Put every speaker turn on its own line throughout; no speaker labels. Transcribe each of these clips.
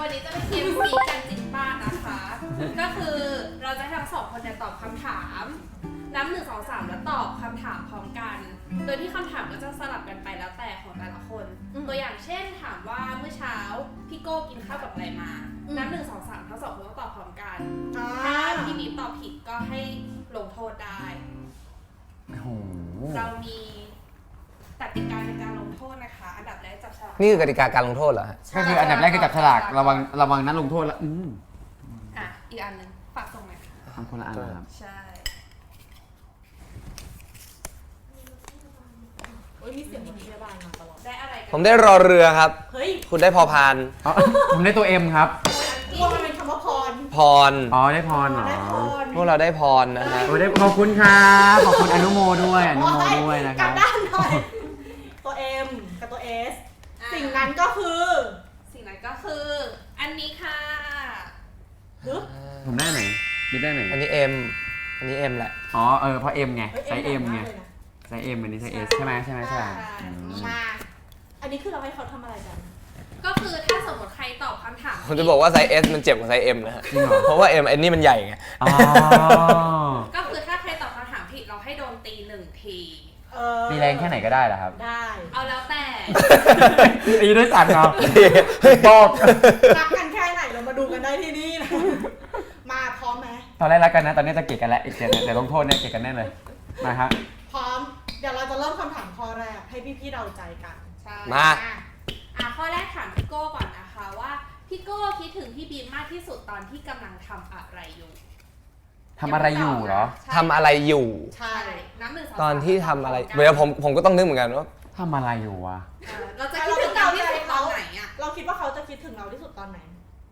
วันนี้จะเป็นเกมซีกันจริงบ้านนะคะ ก็คือเราจะให้ทั้งสองคนเนี่ยตอบคำถามนับ1 2 3แล้วตอบคำถามพร้อมกัน โดยที่คำถามก็จะสลับกันไปแล้วแต่ของแต่ละคน ตัวอย่างเช่นถามว่าเมื่อเช้าพี่โก้กินข้าวกับอะไรมานับ1 2 3ทั้งสองคนต้องตอบพร้อมกันถ้าพี่บีตอบผิดก็ให้ลงโทษได้เรามีกติกาในการลงโทษนะคะอันดับแรกจับฉลาก
นี่คือกติกาการลงโทษเหรอฮะ
ก็คืออันดับแรกคือจับฉลากระวังนั้นลงโทษแล้ว
อีกอันนึงฝากส่งหน่อยค่ะ
ทำคนละอันนะครับ
ใช่
มีเสียงรถพยาบาลมาตลอด
ได้อะไรกัน
ผมได้รอเรือครับ
เฮ้ย
คุณได้พอพาน
ผมได้ตัว M ครับ
พวกมันเป็นคำว่าพร
ได้พรเหรอ
พวกเราได้พรนะฮะ
ได้ขอบคุณครับขอบคุณอนุโมด้วยนะครับ
กลับด้านหน่อยตัว M กับตัว S สิ่งนั้นก็คือ
อันนี้ค่ะ
ผมได้ไหนบิ๊กได้ไหน
อันนี้ M อันนี้ M แหละ
เพราะ M ไงไซส์ M ไงไซส์ M อันนี้ไซส์ S ใช่ไหม
มาอันนี้คือเราให้เขาทำอะไรกัน
ก็คือถ้าสมมติใครตอบคำถาม
ผมจะบอกว่าไซส์ S มันเจ็บกว่าไซส์ M นะฮะเพราะว่า M อันนี้มันใหญ่ไง
ก็คือถ้าใครตอบคำถามผิดเราให้โดนตี1 ที
ตีแรงแค่ไหนก็ได้เหรอครับ
ได้
เอาแล้วแต่
ตีด้วยสั่นเหรอบอก
รักกันแค่ไหนเรามาดูกันได้ที่นี่นะมาพร้อมไหม
ตอนแรกรักกันนะตอนนี้จะเกลียดกันแล้วเดี๋ยวลงโทษเนี่ยเกลียดกันแน่เลยมาครับ
พร้อมเดี๋ยวเราจะเริ่มคำถามข้อแรกให้พี่เดาใจกัน
ใช่
มา
ข้อแรกถามพี่โก้ก่อนนะคะว่าพี่โก้คิดถึงพี่บีมมากที่สุดตอนที่กำลังทำอะไรอยู่
ทำอะไรอยู่เหรอ
ทำอะไรอยู่
ใช่
น้ำ1 2 3
ตอนที่ทำอะไรเดี๋ยวผมก็ต้องนึกเหมือนกันว่า
ทำอะไรอยู่วะ
เราจะคิดถึงเราที่สุดตอนไหนอ่ะ
เราคิดว่าเขาจะคิดถึงเราที่สุดตอนไหน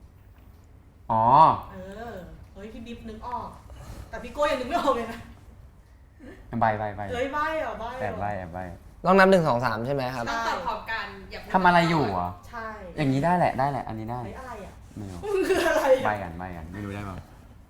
เฮ้ยพี่บิ๊บนึกออกแต่พี่โก้ยังนึกไม่ออกเลยนะ
ใบ
เฮ้ยใบ
แอบใบ
ต้องนับ1 2 3ใช่ไหมครับ
ต้องตอบพร้อมกัน
ทำอะไรอยู่อ่ะ
ใช่
อย่างนี้ได้แหละอันนี้ได้
อะไรอ่ะ
ไม่รู้
คืออะไร
ใบกันไม่รู้ได้ป่ะ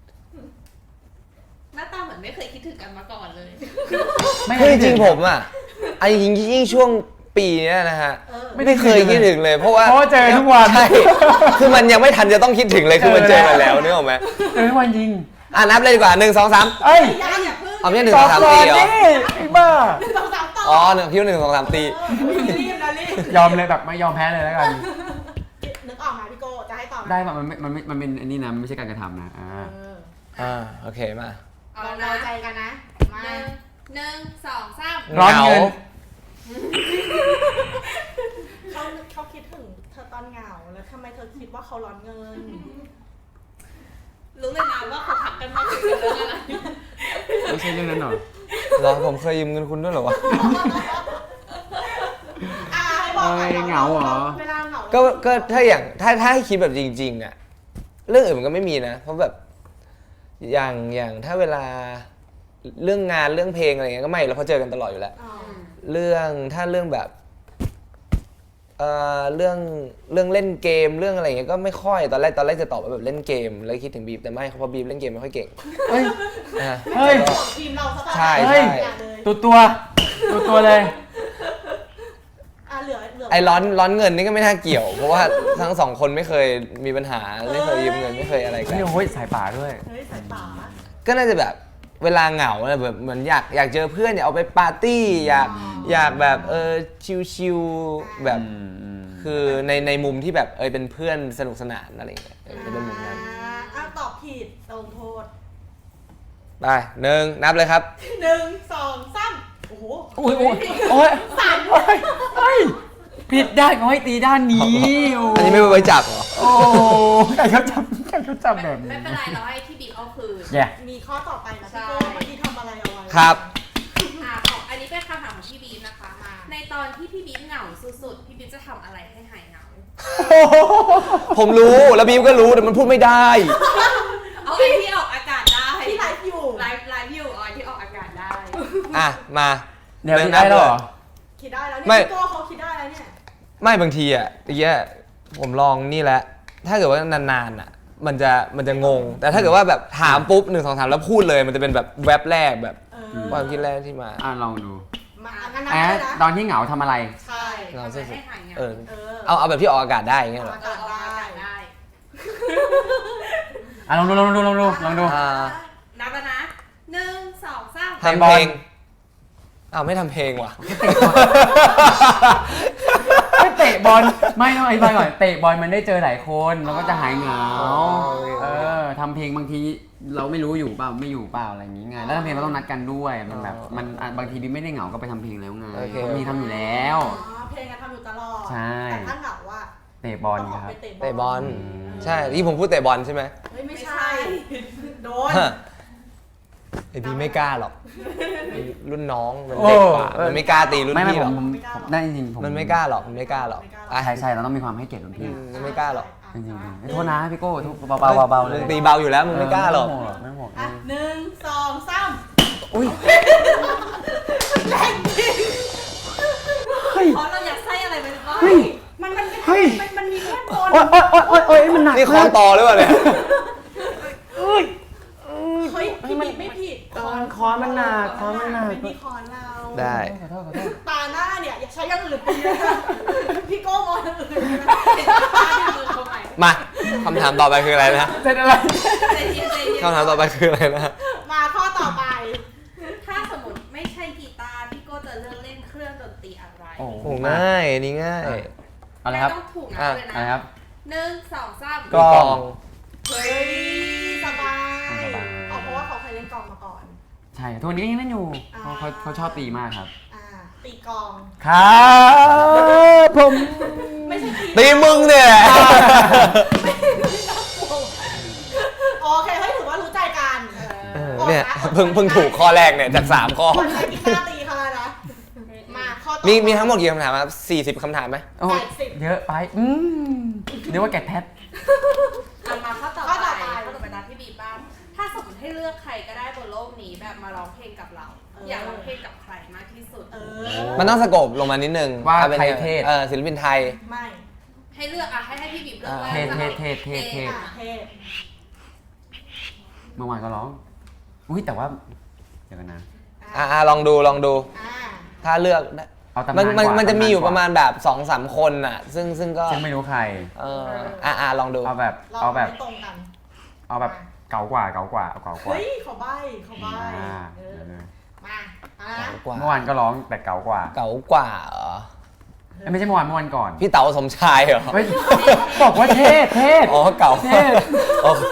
หน้าตาเหมือนไม่เคยคิดถึงกันมาก่อนเลย
คือจริงผมอ่ะไอ้ยิ่งช่วงปีนี้นะฮะไม่เคยคิดถึงเลยเพราะว่า
เจอทุกวัน
ใช่คือมันยังไม่ทันจะต้องคิดถึงเลยคือมันเจอมาแล้วนึกออกไหม
เจอทุกวันจริง
นับเลยดีกว่า1 2 3เอาไม่ใช่1 2 3ตีเหรอ
ไอ้บ้า
1 2 3ต่
อคิดว่า1 2 3ตี
รีบ
ยอมเลยแบบไม่ยอมแพ้เลยแล้วกัน
นึกออกมาพี่โก้จะให้ตอบ
ได้ป่ะมันเป็นอันนี้นะไม่ใช่การกระทำนะ
โอเคมา
เราใจกันนะมา
1 2 3
ร้อนเงิน
เขาคิดถึงเธอตอนเหงาแล้วทำไมเธอคิดว่าเขาร้อนเงิน
รู้เลยนะว่าเขาทักกันมาถึงเรื่องอะไร
ไม่ใช่เรื่องนั้นหร
อผมเคยยืมเงินคุณด้วยเหรอวะ
เหงาเหรอ
ก็ถ้าอย่างถ้าให้คิดแบบจริงๆอ่ะเรื่องอื่นมันก็ไม่มีนะเพราะแบบอย่างถ้าเวลาเรื่องงานเรื่องเพลงอะไรเงี้ยก็ไม่เราเพราะเจอกันตลอดอยู่แล้วเรื่องแบบเรื่องเล่นเกมเรื่องอะไรเงี้ยก็ไม่ค่อยตอนแรกจะตอบว่าแบบเล่นเกมแล้วคิดถึงบีบแต่ไม่เพราะบีบเล่นเกมไม่ค่อยเก่ง
เฮ้ย
ทีมเรา
ใช่
ตัวเลย
ไอ้ร้อนเงินนี่ก็ไม่น่าเกี่ยวเพราะว่าทั้ง2 คนไม่เคยมีปัญหาไม่เคยยืมเงินไม่เคยอะไรกัน
โอ้ยสายป่าด้วย
สายป่า
ก็น่าจะแบบเวลาเหงาแบบเหมือนอยากเจอเพื่อนอยากเอาไปปาร์ตี้อยากแบบชิลๆแบบคือในมุมที่แบบเป็นเพื่อนสนุกสนานอะไรอย่างเงี้ยเป็นมุมนั้น
ตอบผิดลงโทษ
ไป1นับเลยครับ
1 2 3โอ้โห
โอ้ยผิดด้านเขาให้ตีด้านนี้
อันนี้ไม่ไว้จับเหรอ
โอ้ใครเขาจับแบบนี้
ไม่เป็นไรเราให้ที่บิ๊กเอาคืน
มีข้อต่อไปนะพี่โก้เมื่อกี้ทำอะไรเอาไว้
ครับ
อันนี้เป็นคำถามของพี่บีมนะคะในตอนที่พี่บีมเหงาสุดๆพี่บีมจะทำอะไรให้หายเหงา
ผมรู้แล้วบีมก็รู้แต่มันพูดไม่ได้
เอาไอ้ที่ออกอากาศได้
ที่ไลฟ์อยู่
ไลฟ์อยู่เอาที่ออกอากาศได้
มา
เดี๋ยวได้หรอ
คิดได้แล้วเนี่ยพี่โก้เขาคิดได้แล้วเนี่ย
ไม่บางทีผมลองนี่แหละถ้าเกิดว่านานๆมันจะงงแต่ถ้าเกิดว่าแบบถามปุ๊บ1 2 3แล้วพูดเลยมันจะเป็นแบบแว็บแรกแบบความคิดแรกที่มา
ลองดูตอนที่เหงาทำอะไร
ใช่
เราให้หายเหงาเอาแบบที่ออกอากาศได้อย่างเงี้ยหรอ
ออกอากาศได้
ลองดูลองดู
นับแล้วนะ1 2 3
ทำเพลงอ้าวไม่ทำเพลงว่ะ
ไม่เตะบอลไม่ต้องอธิบายก่อนเตะบอลมันได้เจอหลายคนเราก็จะหายเหงาทำเพลงบางทีเราไม่รู้อยู่เปล่าไม่อยู่เปล่าอะไรอย่างงี้ไงแล้วทำเพลงเราต้องนัดกันด้วยมันแบบมันบางทีดิไม่ได้เหงาก็ไปทำเพลงแล้วไงมีทำอยู่แล้ว
เพลงอะทำอยู่ตลอด
ใช่
แต่ถ้าเหงาว่า
เตะบอล
ต้องออก
ครับ
ไป
เตะบอลใช่ที่ผมพูดเตะบอลใช่ไหม
เฮ้ยไม่ใช่ โดน
ไอพี่ไม่กล้าหรอกรุ่นน้องมันเด็กกว่ามันไม่กล้าตีรุ่น
ไม่
พี่หรอก
ผมได้จริงๆผม
มันไม่กล้าหรอกมันไม่กล้าหรอกอ่ะ
ใช่เราต้องมีความให้เกียรติรุ่นพี่
มันไม่กล้าหรอก
จริงๆโทษนะพี่โก้เบาๆเลย
มึงตีเบาอยู่แล้วมึงไม่กล้าหรอก
ไม่ห่วง
อ่ะ1 2 3
อุ้ย
แรงจริง
เฮ้ย
เพราะเราอยากใส่อะไรไปหรือเปล่า
เฮ้ย
มันมีแค่บน
โอ๊ยมันหนัก
นี่คล้องต่อหรือเปล่าเนี่ย
เฮ้ยพี่บิ๊กไม่ผิด
คอมันหนักคอมันหนัก
ไม่มีคอนเรา
ได้
ขอโทษ
ตาหน้าเนี่ยอย่าใช้อย่างอื่นตีนะพี่โก้มองอย่างอื่นนะ
มือเข้าไป
มาคำถามต่อไปคืออะไรนะ
เสร็จอะไร
ใจเย็นใจเย็น
คำถามต่อไปคืออะไรนะ
มาข้อต่อไป
ถ้าสมมติไม่ใช่กีตาร์พี่โก้จะเลือกเล่นเครื่องดนตรีอะไร
โอ้
โอ้ง่ายอันนี่ง่าย
อะไรครับ
ไม่ต้องถูกนะ
อ่ะ
เลย
อะไร
นะครับ 1 2 3
กลอง
เฮ้ยสบาย
สบาย
เอาเพราะว่าเขาเคยเล่นกลองมาก่อน
ใช่ทุกวันนี้ก็ยังเล่นอยู่เขาชอบตีมากครับ
ตีกลอง
ครับผม
ไม่ใช่ตี
ตีมึงเนี่ย
โอเคให้ถือว่ารู้ใจกัน
เนี่ยเพิ่งถูกข้อแรกเนี่ยจาก3ข้อ
คนใช้กีตาร์ตีเขาแล้วนะมาข้อต่อ
มีทั้งหมดกี่คำถามครับ40คำถามไหม
โอ้ยเยอะไปเรียกว่าแกะแพท
เอามาข้อต่อไปนะพี่บีบ้างถ้าสมมติให้เลือกใครก็ได้บนโลกนี้แบบมาร้องเพลงกับเรา อยากร้องเพลงกับใครมากที่สุด
มันต้องสโกปลงมานิดนึง
ว่า
อป็น
ใครเทศ
ศิลปินไทย
ไม่
ให้เลือกอ่ะให้พี่บีเลือกว่า
เทศ
จะอา
เทศ
เทพ
เมื่อวานก็ร้องอุ้ยแต่ว่าเดี๋ยวกันนะ
ลองดู
อ่า
ถ้าเลือกได้
เอาตำนานกว่า
มันจะมีอยู่
ตำนานกว่า
ประมาณแบบ2-3 คนน่ะ ซึ่งก็
ซึ่งไม่รู้ใคร
ลองดู
เอาแบบ
เรา
เอาแบบ
ไม่ตรงกัน
เอาแบบเก่ากว่าเอาเก่ากว่า
เฮ้ยเขาใบ้
อ่า
มานะ
กว่า
เมื่อวานก็ร้องแต่เก่ากว่า
เก๋ากว่าเหรอ
ไม่ใช่เมื่อวานก่อน
พี่เต๋าสมชายเหรอ
เฮ้ยบอกว่าเทศ
อ๋อเก่า
เทศ
อ๋อ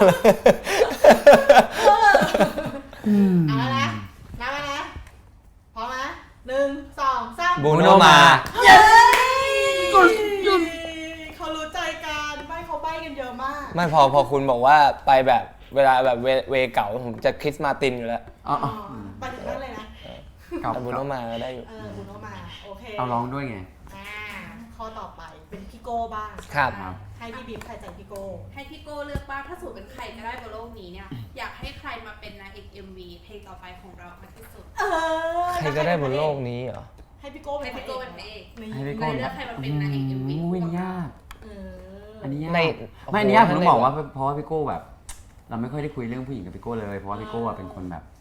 เอาละนะมานะพร้อมนะ1 2 3
บูโนมา
เย้เขารู้ใจกันใบ้เขาใบ้กันเยอะมาก
ไม่พอคุณบอกว่าไปแบบเวลาแบบเวเก่าผมจะคริสมาตินอยู่แล้ว
อ๋อ
ไปถึงนั่นเลยนะ
เก่า
แต่บูโนมาก็ได้อยู่
บูโนมาโอเค
เอาร้องด้วยไง
ข้อต่อไปเป็นพี่โก้บ้าง
ครับ
ให้พี่บิ๊มใครใจพี่โก้
ให้พี่โก้เลือกบ้างถ้าสมมติเป็นใครก็ได้บนโลกนี้เนี่ยอยากให้ใครมาเป็นนางเอก MV เพลงต่อไปของเรามากที่สุด
ใครก็ได้บนโลกนี้เหรอ
ให้พี่โก้เป็
ให้
น
พี่โก้เป็นพระเอก
ให้พี่โก้
เลือกใครมาเป็นนางเอก MV
อุ้ยยาก
เออ
อันนี้ยาก
ใน
ไม่อันนี้ยากผมต้องบอกว่าเพราะว่าพี่โก้แบบ เราไม่ค่อยได้คุยเรื่องผู้หญิงกับพี่โก้เลยเพราะว่าพี่โก้เป็นคนแบบ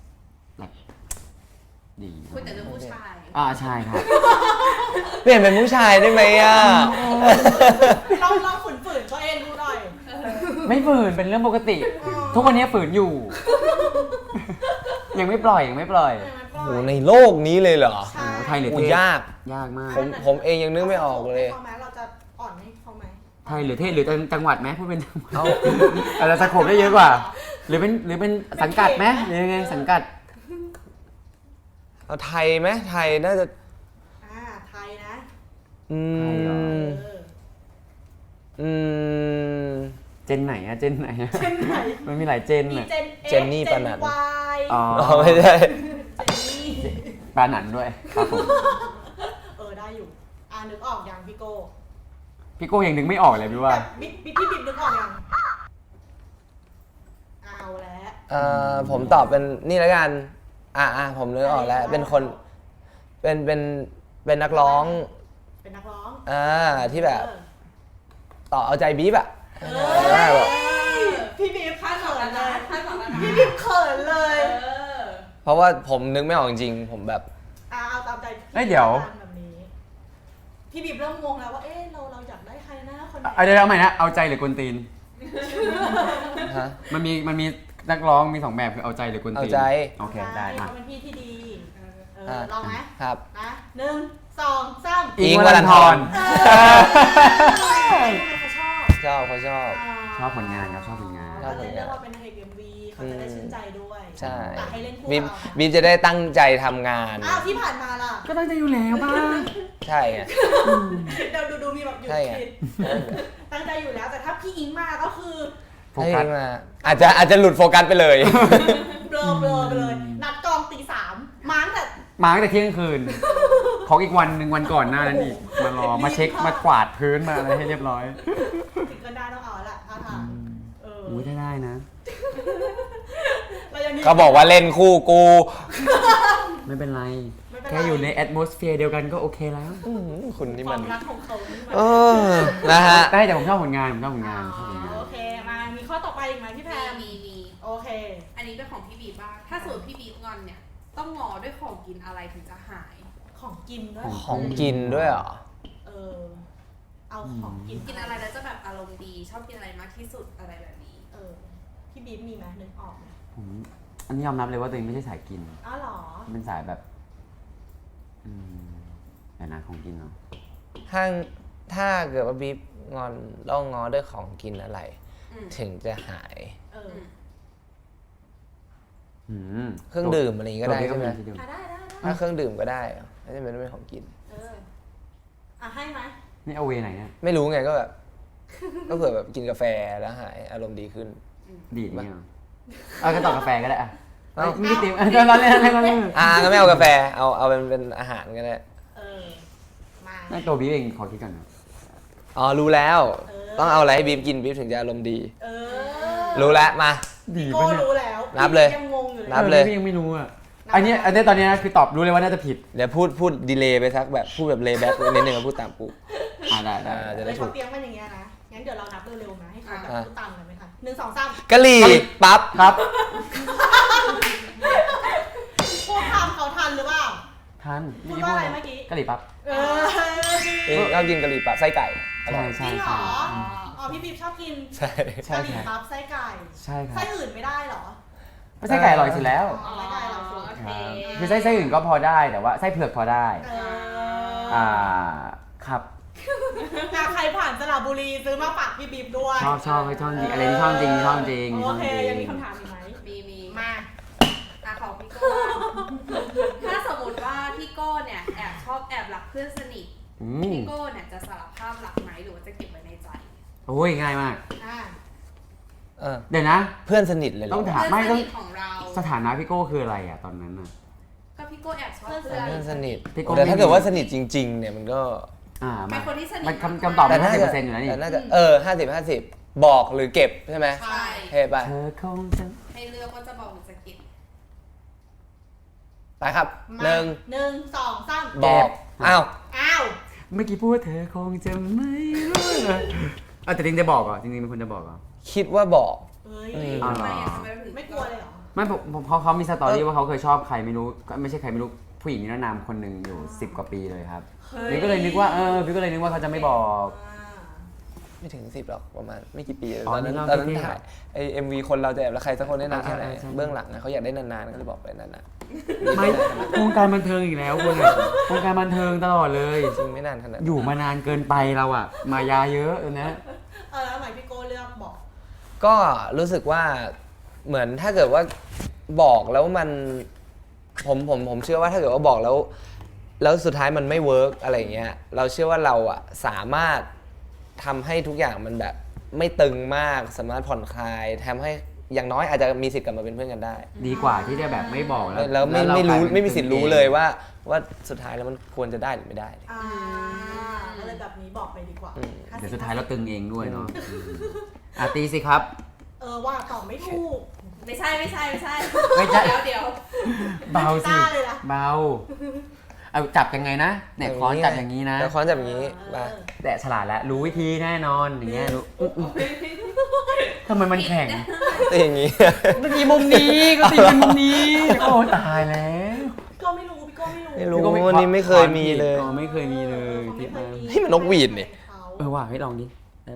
ดี
คุยแต่เรื่องผู้ชาย
ใช่ครับ
เปลี่ยนเป็นผู้ชายได้ไหมอ่ะ
ลองฝืนตัวเองดูหน่อย
ไม่ฝืนเป็นเรื่องปกติ ทุกวันนี้ฝืนอยู่ ยังไม่ปล่อย
โหในโลกนี้เลยเหรอ
ใช่
ไทยหรือ
โห
เทศ
ยาก
ยากมาก
ผมเองยังนึกไม่ออกเลย
เราจะอ่อนให้เขาไหม
ไทยหรือเทศหรือจังหวัดไหมพูดเป็นจังหวัด
เอา
อาจจะสโคปได้เยอะกว่า หรือเป็นสังกัดไหมหรือยังไงสังกัด
เอาไทยไหมไทยน่าจะ
ไทยนะ
อืม อืม
เจนไหนอะเจนไหนอะ
เจนไหน
มันมีหลายเจน
มี
อะ
เจนนี่ปานัน
วาย
อ๋อ
ไม่ใช่
เจนนี่
ปลาหนันด้วยครับผม
ได้อยู่นึกออกยังพี่โก้
พี่โก้ยังนึกไม่ออกเลยพี่ว่า
แบบพี่บิ๊มนึกออกยังเอาแล้ว
ผมตอบเป็นนี่แล้วกัน ผมนึกออกแล้ว เป็นคน เป็นนักร้อง
เป็นนักร้อง
ที่แบบ ต่อเอาใจบีบอะ
พี่บิ๊ม
คาดหวังแล้วนะคาดหวังแล้วนะ
พี่บิ๊มเขินเลย
เพราะว่าผมนึกไม่ออกจริงๆผมแบบ
เอาตามใจ
เดี๋ยว
แบบนี้พี่บิ๊มเริ่มงงแล้วว่าเราอยากได้ใครนะคนไหน
เดี๋ยวเอาใหม่นะเอาใจหรือกวนตีน
ฮะ
มันมีนักร้องมี2แบบคือเอาใจหรือกวนตีน
เอาใจ
โอเคได้
เขา
มา
เป็นพี่ที่ดีเอ
อ่ะ
อลองไหม
ครับ
นะ1 2 3
อิงค์วรันธร
เขาชอบ
เขาชอบ
ชอบผลงานครับชอบผลงาน
ชอบ
เขาเลยเลือกว่าเป็นนางเอก MV เขาจะได้ชื่นใจด้วย
ใช่
แต่ให้เล่นคู่
บีม
เรา
บีมจะได้ตั้งใจทำงาน
อ้าวที่ผ่านมาล่ะ
ก็ตั้งใจอยู่แล้วบ้าง
ใช่ไง
เดี๋ยวดูมีแบบหยุด
ใช่ไง
คิดตั้งใจอยู่แล้วแต่ถ้าพี่อิงมาก็คือ
โฟกัส
ให้มาอาจจะหลุดโฟกัสไปเลย
เบลอไปเลย นัดกองตี 3มาตั้งแต่
มาตั้งแต่เที่ยงคืน ของอีกวันหนึ่งวันก่อนหน้านั้นอีก มารอ มาเช็ค มากวาดพื้นมาอะไรให้เรียบร้อย
ถึงกันได้ต้องเอาละท่าทางเออ
อุ้ยได้นะ
เรายังมี
เขาบอกว่าเล่นคู่กู
ไม่เป็นไร
ไม่เป็นไร
แค่อยู่ในแอดมอสเฟียร์เดียวกันก็โอเคแล้ว
คุณนี่
ค
มั
วาน มรักของเขานี่มัน
เออนะฮะ
ได้แต่ผมชอบผลงานผมชอบผลงานชอบผลงาน
โอเคมามีข้อต่อไปอีกไหมพี่แพร
มี
โอเค
อันนี้เป็นของพี่บีบ้าง ถ้าสมมติพี่บีงอนเนี่ย ต้องงอด้วยของกินอะไรถึงจะหาย
ของกินด้วย
ของกินด้วยเหรอ
เออเอาของกิน
กินอะไรแล้วจะแบบอารมณ์ดี ชอบกินอะไรมากที่สุดอะไรแบบนี้
เออพี่บีมมีไหมนึกออกไหม
ผมอันนี้ยอมรับเลยว่าตัวเองไม่ใช่สายกิน
อ้าวเหรอ
เป็นสายแบบแต่นะของกินเนาะ
ถ้าเกิดว่าบีบงอนต้องงอด้วยของกินอะไร
อืม
ถึงจะหาย
เออ
เครื่องดื่มอะไรอย่างงี้ก็ได้
ตัว
ใช่ไหม
พี่ก็ดื่ม
ได้
ถ้าเครื่องดื่มก็ได้เหรอไม่จำเป็นต้องเป็นของกิน
เออให้ไหม
นี่เอาเวไหนเนี่ย
ไม่รู้ไงก็แบบ ก็เผื่อแบบกินกาแฟแล้วหายอารมณ์ดีขึ้น
ดีดเนี่ยเหรอเอาก็ต่อกาแฟก็ได้อะ
เอ้า
ไม่ได้เตรียมเราเล่นเราเล่น
ก็ไม่เอากาแฟเอาเป็นอาหารก็ได้
เออมา
น่าตัวบีเองขอคิดก่อนนะ
อ๋อรู้แล้ว
เออ
ต้องเอาอะไรให้บีบกินบีบถึงจะอารมณ์ดี
เออ
รู้แล้วมา
ดี
โก้
ปะเนี่ย
รู้แล้ว
นับเลย
ยังงงอยู่เลย
นับเลย
พี่ยังไม่รู้อ่ะอันนี้ตอนนี้นะคือตอบรู้เลยว่าน่าจะผิด
เดี๋ยวพูดดีเลย์ไปสักแบบพูดแบบเลย์แบ็กนิดนึงแล้วพูดตามกู
ได้
จะ
เล
ได้
ย
ถู
เขา
ก
เตรียมมันอย่างเงี้ยนะงั้นเดี๋ยวเรานับเร็วๆนะให้เขาแบบ
อ่ะ
พูดตามกันไหมคะ1 2 3
กะหรี่ปั๊บ
ครับ
พวกทำเขาทันหรือเปล่า
ทัน
พูดว่าอะไรเมื่อกี้
กะหรี่ปั๊บ
เออ
ชอบกินกะหรี่ปั๊บไส้ไก่อร่อย
ใช่
จริงเหรออ๋อพี่บีบชอบกิน
ใช่
ใช่
กะหรี่
ครับ
ปั๊บไส้ไก่
ใช่ครับ
ไส้อื่นไม่ได้เหรอ
ไม่ใช่ไก่อร่อยสุดแล้ว
อ๋อไส้ไก่เราสุด
โอเค
คือไส้อื่นก็พอได้แต่ว่าไส้เผือกพอได้
เออ
อ่าครับ
ใครผ่านสระบุรีซื้อมาฝากพี่บีบด้วย
ชอบจริงอะไรที่ชอบจริงชอบจริง
โอเค
ชอบจริ
ยังมีคำถามอีกไหม
มี
มา
ของพี่โก้ถ้าสมมติว่าพี่โก้เนี่ยแอบรักเพื่อนสนิท พี่โก้เนี่ยจะสารภาพรักไหมหรือว่าจะเก็บไว้ในใจ
โอ้ยง่ายมาก
อ่า
เดี๋ยวนะ
เพื่อนสนิทเลยเหรอ
ต้องถาม
เพื่อนสนิทของเรา
สถานะพี่โก้คืออะไรอ่ะตอนนั้นอ่ะ
ก็พี่โก้แอบชอบเพื่อน
เพื่อนสนิท
พี่โก้
แต่ถ้าเกิดว่าสนิทจริงๆเนี่ยมันก็
เป็นคนที่สนิท
มันคำตอบมัน 50%อยู่แล้วนี่
แต่น่าจะ50 บอกหรือเก็บใช่ไหม
ใช่
เฮ้ยไป
เธอคงจะ
ให้เลือกว่าจะบอกหรือจะเก็บ
ไปครับ
มา
หนึ่ง
1 2 3
บอกอ้าว
อ้าว
เมื่อกี้พูดว่าเธอคงจะไม่รู้แต่จริงจะบอกเหรอจริงๆเป็นคนจะบอกเหรอ
คิดว่าบอก
เฮ้ย
อ๋อ
ทำไมอ่ะทำไมเราถึง
ไม่กลัวเลยเหรอ
ไม่ผมเพราะเขามีสตอรี่ว่าเขาเคยชอบใครไม่รู้ก็ไม่ใช่ใครไม่รู้ผู้หญิงนิรนามคนหนึ่งอยู่10 กว่าปีเลยครับพี่ก็เลยนึกว่าพี่ก็เลยนึกว่าเขาจะไม่บอก
ไม่ถึง10หรอกประมาณไม่กี่ปี
อ๋อ
ตอนนั้น
นี่
ตอน
เรา
นั้น
เท่ๆ
ถ่ายไอMV คนเราจะแอบรักใครสักคนได้นานแค่ไหน
ใช่
เบื้องหลังนะเขาอยากได้นานๆก็เลยบอกไปนาน
ไม่วงการบันเทิงอีกแล้วคนอะวงการบันเทิงตลอดเลย
ๆจริงไม่นานขนาดนั้น
อยู่มานานเกินไปเราอะมายาเยอะนะ
แล้วทำไมพี่โก้เลือกบอก
ก็รู้สึกว่าเหมือนถ้าเกิดว่าบอกแล้วมันผมเชื่อว่าถ้าเกิดว่าบอกแล้วสุดท้ายมันไม่เวิร์กอะไรเงี้ยเราเชื่อว่าเราอะสามารถทำให้ทุกอย่างมันแบบไม่ตึงมากสามารถผ่อนคลายทำให้อย่างน้อยอาจจะมีสิทธิ์กลับมาเป็นเพื่อนกันได้
ดีกว่าที่จะแบบไม่บอก
แล้วไม่
เรา
รู้
กลายเป็น
ไม่มีสิทธิ์รู้เลยว่าสุดท้ายแล้วมันควรจะได้หรือไม่ได้
ก็เลยแบบนี้บอกไปดีกว่า
เดี๋ยวสุดท้ายเราตึงเองด้วยเนาะตีสิครับ
ว่าตอบไม่ถูก
ไม่ใช่
ไม่ใช่
เดี๋ยว
เบาสิ
กล้าเลยนะ
เบาเอาจับยังไงนะเนี่ยค้อนจับอย่างนี้นะ
แล้วค้อนจับอย่างนี้มา
แต่ฉลาดแล้วรู้วิธีแน่นอนอย่างเงี้ยรู้ทำไมมันแข็ง
ตีอย่างนี้
เมื่อกี้มุมนี้ก็ตีเป็นมุมนี้โอ้ตายแล้ว
พี่โก้ไม่รู้พี่โก้ไม่รู้
ไม่รู้วันนี้ไม่เคยมีเลย
อ๋อไม่เคยมีเลย
เขา
ที่
ไม่เค
มาย
มี
นี่มันนกหวีดนี่
ว่ะให้ลองดิได้ปะ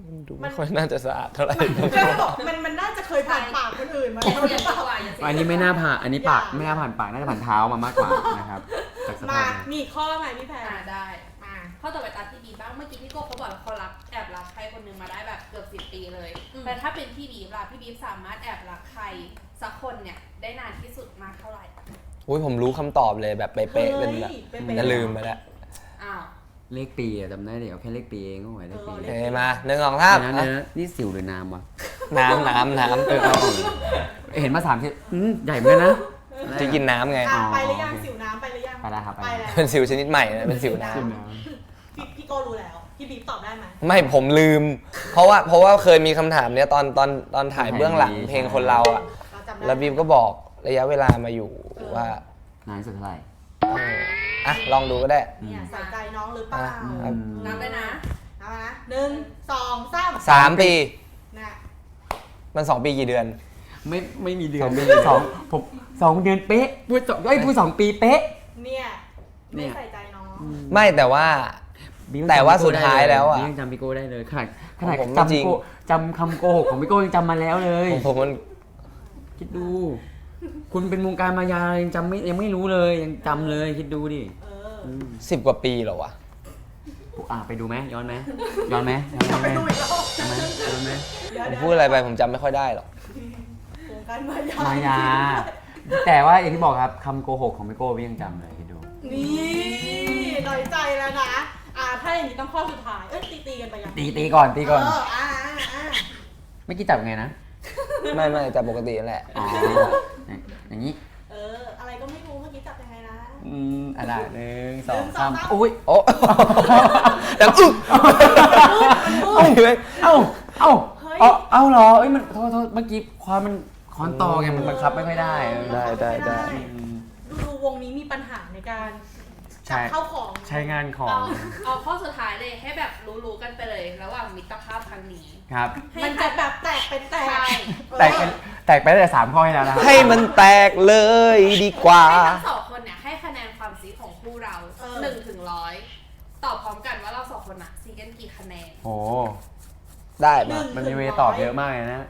ดูไม่ค่อยน่าจะสะอาดเท่าไหร่
มันน่าจะเคยผ่านปากคนอื่นมา
อย่า
แล้ว
เสียงดีกว่าอย่าเสียง
อันนี้ไม่น่าผ่านอันนี้ปากไม่น่าผ่านปากน่าจะผ่านเท้ามามากกว่านะครับจากส
มา
ภาพ
มีข้อไหมพี่แพร
ได้
มา
ข้อต่อไปตามพี่บีบ้างเมื่อกี้พี่โก้เขาบอกว่าเขาแอบรักใครคนหนึงมาได้แบบเกือบ10 ปีเลยแต่ถ้าเป็นพี่บีล่ะพี่บีสามารถแอบรักใครสักคนเนี่ยได้นานที่สุดมากเท่าไหร่
อุ้ยผมรู้คำตอบเลยแบบเป๊ะๆเป็นแบบจะลืมไปแล้ว
อ้าว
เลขปีอะจำได้เดี๋ยวแค่เลขปีเองก็ไหวเลขปี
เอ้ยมา1 2 3
นะเนี่ยนี่สิวหรือน้ำวะ
น้ำ
เห็นมา3ทีใหญ่เหมือนกันนะ
จะกินน้ำไง
อ่ะไปหรือยังสิวน้ำไปหรือยัง
ไปแล้วครับ
ไปแล้ว
เป็นสิวชนิดใหม่นะเป็นสิวน้
พี่โก้รู้แล้วพี่บีบตอบได้ไหม
ำไม่ผมลืม เพราะว่าเคยมีคำถามเนี้ยตอนถ่ายเบื้องหลังเพลงคนเราอ่ะ
เราจำได้
แล้วบีมก็บอกระยะเวลามาอยู่ว่า
นานสุดเท่าไหร่
อ่ะลองดูก็ได้
เนี่ยใส่ใจน้องหรือเปล่า
อ่ะ
นับได้นะ
เอามานะ1 2 3
3 ปี
นะ
มัน 2 ปีกี่เดือน
ไม่มีเดือน
2 ปี
ผม2 เดือนเป๊ะพูด2 ปีเป๊ะ
เนี่ย
เนี่
ไม่
ย
ใส่ใจน้อง
ไม่แต่ว่า แต่ว่าสุดท้ายแล้วอะ
ยังจำพี่โก้ได้เลยขนาด
ผมไม่จริง
จำคำโกหกของพี่โก้ยังจำมาแล้วเลย
ผมมัน
คิดดู คุณเป็นวงการมายายังไม่รู้เลยยังจำเลยคิดดูดิ
เออ
10 กว่าปีเหรอวะ
ไปดูไหมย้อนไหมย้อนไหม
ไปดูอีกรอบ
ย้อนไหมย้อนไหม
ผมพูดอะไรไปผมจำไม่ค่อยได้หรอก
วงการมายา
มายา แต่ว่าอย่างที่บอกครับคำโกหกของพี่โก้พี่ยังจำเลยคิดดู
นี่น้อยใจแล้วนะถ้าอย่างนี้ต้องข้อสุดท้ายตีกันไปยัง
ตีก่อน ไม่อกี้จับไงนะ
ไม่แต่ปกตินั่นแหละ
อ๋ออย่างนี้
อะไรก็ไม่รู้เมื่อกี้จับยังไงนะ
อะไร1 2
1 2
3อุ้ย
โอ้ ดังอึ๊ก
เอาเหรอเอ้ยมันโทษเมื่อกี้ความมันคอนต่อไงมันบังคับไม่ค่อยได้
ได้
ดูวงนี้มีปัญหาในการจับเข้าของ
ใช้งานของ
เอาข้อสุดท้ายเลยให้แบบรู้ๆกันไปเลยระหว่างมิตรภาพครั้งนี้
ครับ
มันจะแบบแตกเป็นแตก
ใช่
แตกไปตั้งแต่3 ข้อให้แล้วนะครับ
ให้มันแตกเลยดีกว่า
ให้ทั้งสองคนเนี่ยให้คะแนนความซีของคู่เรา1 ถึง 100ตอบพร้อมกันว่าเราสองคนอะซีกันกี่คะแนน
โอ้
ได้มา
มันมีเวตอบเยอะมากเลยนะ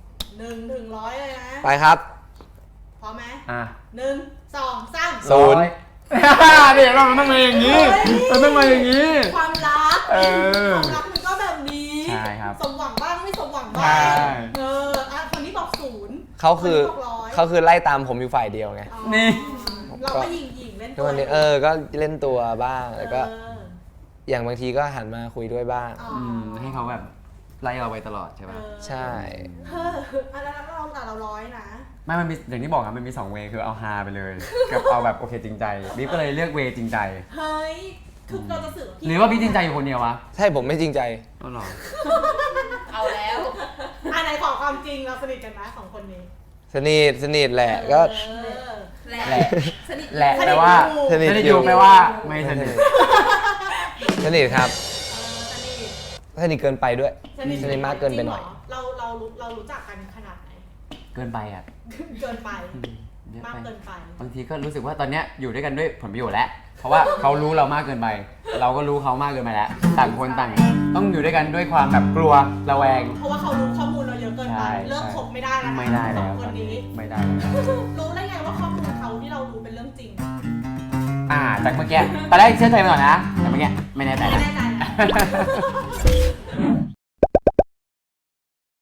1 ถึง 100เลยนะ
ไปครับ
พร้อมไหม
อ่ะ
1 2 3
ศูนย์
เดี๋ยวเราต้องมาอย่างนี้เราต้องมาอย่างนี้
ความรัก ความรักมันก็แบบนี้
ใช่ครับ
สมหวังบ้างไม่สมหวัง
ใช่
บ้างคนนี้บอก0
เขาคือ
คนนี้บอก100
เขาคือไล่ตามผมอยู่ฝ่ายเดียวไง
นี่
เราก็ยิงเล่น
ทุกวันนี้ก็เล่นตัวบ้างแล้วก็อย่างบางทีก็หันมาคุยด้วยบ้าง
ให้เขาแบบไล่เราไปตลอดใช่ป่ะ
ใช่
แล้วเราแต่เรา100นะ
ไม่มันมีอย่างที่บอกครับมันมี2 เวย์คือเอาฮาไปเลย กับเอาแบบโอเคจริงใจบิ๊กก็เลยเลือกเวย์จริงใจ
เฮ้ยคือเราจะสื่อ
หรือว่าพี่จริงใจอยู่คนเดียววะ
ใช่ผมไม่จริงใจ
อ๋อเหรอ
เอาแล้ว
ไหนขอความจริงเราสนิทกันไหม2 คนนี้
สนิทแหละก็
แหละ
แหละ
สนิท
แหละแปลว่า
สนิท
ไม่ได้
อ
อยู่ ยู่แปลว่าไม่สนิท
สนิทครับ
สนิท
สนิทเกินไปด้วยสนิทมากเกินไปหน่อย
จริงเหรเรารู้จักกันขนาดไหน
เกินไปอ่ะ
เกินไป
เยอะ
มาก
ไป
เกินไป
บางทีก็รู้สึกว่าตอนเนี้ยอยู่ด้วยกันด้วยผลประโยชน์แล้ว เพราะว่าเขารู้เรามากเกินไป เราก็รู้เขามากเกินไปแล้ว ต่างคนต่างต้องอยู่ด้วยกันด้วยความแบบกลัวระแวง
เพราะว่าเขารู้ข้อมูลเราเยอะเกินไป
ใช่
เลิกคบไม่ได้แล้วนะ
ไม่ได้
ส
แล้
อง
ว
คนนี้
ไม่ได้แล้ว
รู้ได้ไงว่าข้อมูลเขาที่เรารู้เป็นเรื่องจริง
จากเมื่อกี้ตอนแรกเชื่อใจไปก่อนนะแต่เมื่อกี้ไม่แน่ใจ
ไม่
นะ
แน่ใจนะ